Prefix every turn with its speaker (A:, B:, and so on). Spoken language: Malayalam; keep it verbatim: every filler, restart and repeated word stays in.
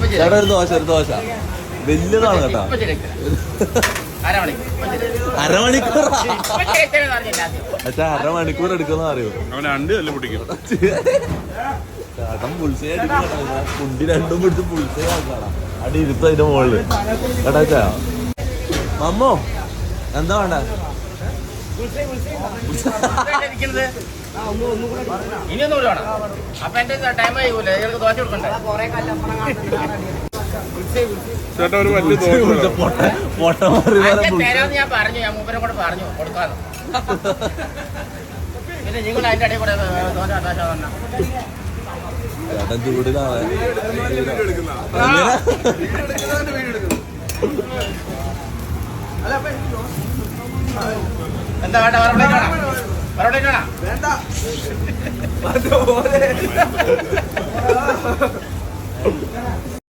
A: ചേട്ടാ ഒരു ദോശ ഒരു ദോശ വലിയതാണ് കേട്ടാ. അരമണിക്കൂർ പക്ഷെ അരമണിക്കൂർ എടുക്കുന്ന അറിയോ ചേട്ടൻ പുൾസേ കുണ്ടി രണ്ടും പിടിച്ച് പുൾസേ ആക്കാടാ അടി ഇരുത്ത അതിന്റെ മുകളില് കേട്ടാ ചാ മമ്മോ എന്താ വേണ്ട
B: ചേട്ടാ ഒരു വലിയ
C: ഞാൻ പറഞ്ഞു ഞാൻ മൂപ്പരെ കൂടെ പറഞ്ഞു കൊടുക്കാന്ന് പിന്നെ നിങ്ങൾ അതിന്റെ ഇടയിൽ കൂടെ
A: ചേട്ടൻ ചൂടിലാണ്
C: എന്താ വേണ്ട മറുപടി വേണ്ട